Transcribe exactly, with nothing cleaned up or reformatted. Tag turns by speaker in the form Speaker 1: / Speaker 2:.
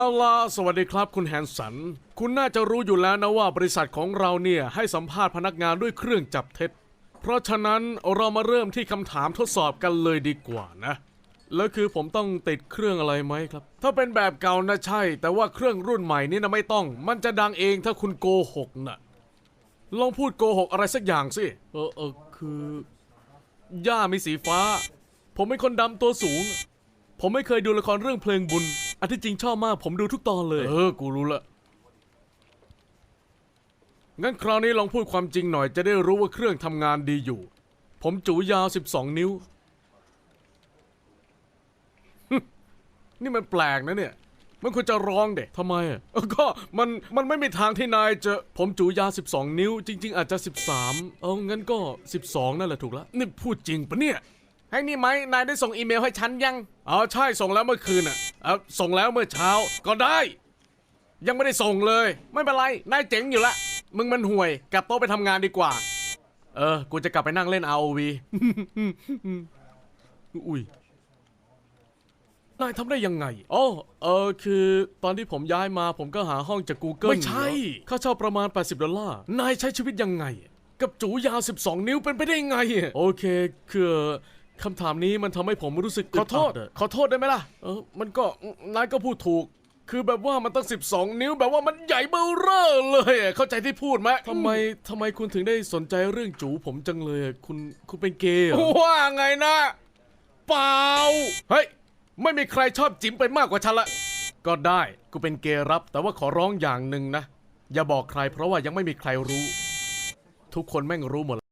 Speaker 1: เอาล่ะสวัสดีครับคุณแฮนสันคุณน่าจะรู้อยู่แล้วนะว่าบริษัทของเราเนี่ยให้สัมภาษณ์พนักงานด้วยเครื่องจับเท็จเพราะฉะนั้นเรามาเริ่มที่คำถามทดสอบกันเลยดีกว่านะแล้วคือผมต้องติดเครื่องอะไรไหมครับถ้าเป็นแบบเก่านะใช่แต่ว่าเครื่องรุ่นใหม่นี่นะไม่ต้องมันจะดังเองถ้าคุณโกหกนะลองพูดโกหกอะไรสักอย่างสิเออเออคือย่ามีสีฟ้าผมเป็นคนดำตัวสูงผมไม่เคยดูละครเรื่องเพลงบุญอันที่จริงชอบมากผมดูทุกตอนเลยเออกูรู้ละงั้นคราวนี้ลองพูดความจริงหน่อยจะได้รู้ว่าเครื่องทำงานดีอยู่ผมจูยาวสิบสองนิ้ว นี่มันแปลกนะเนี่ยมันควรจะร้องเด็กทำไมอ่ะก็มันมันไม่มีทางที่นายจะผมจูยาวสิบสองนิ้วจริงๆอาจจะสิบสามเอางั้นก็สิบสองนั่นแหละถูกแล้วนี่พูดจริงปะเนี่ยให้นี่ไหมนายได้ส่งอีเมลให้ฉันยังอ๋อใช่ส่งแล้วเมื่อคืนอ่ะเออส่งแล้วเมื่อเช้าก็ได้ยังไม่ได้ส่งเลยไม่เป็นไรนายเจ๋งอยู่ละมึงมันห่วยกลับโต๊ะไปทำงานดีกว่าเออกูจะกลับไปนั่งเล่น อาร์ โอ วี อุ้ยนายทำได้ยังไงอ๋อเออคือตอนที่ผมย้ายมาผมก็หาห้องจาก Google ไม่ใช่ค่าเช่าประมาณแปดสิบดอลลาร์นายใช้ชีวิตยังไงกับจูยาวสิบสองนิ้วเป็นไปได้ยังไงโอเคคือคำถามนี้มันทำให้ผมรู้สึกขอโทษขอโทษได้ไหมล่ะเออมันก็นายก็พูดถูกคือแบบว่ามันตั้งสิบสองนิ้วแบบว่ามันใหญ่เบ้อเร่อเลยเข้าใจที่พูดไหมทำไมทำไมคุณถึงได้สนใจเรื่องจูผมจังเลยคุณคุณเป็นเกย์เหรอว่าไงนะเปล่าเฮ้ยไม่มีใครชอบจิ๋มไปมากกว่าฉันละก็ได้กูเป็นเกย์รับแต่ว่าขอร้องอย่างหนึ่งนะอย่าบอกใครเพราะว่ายังไม่มีใครรู้ทุกคนแม่งรู้หมด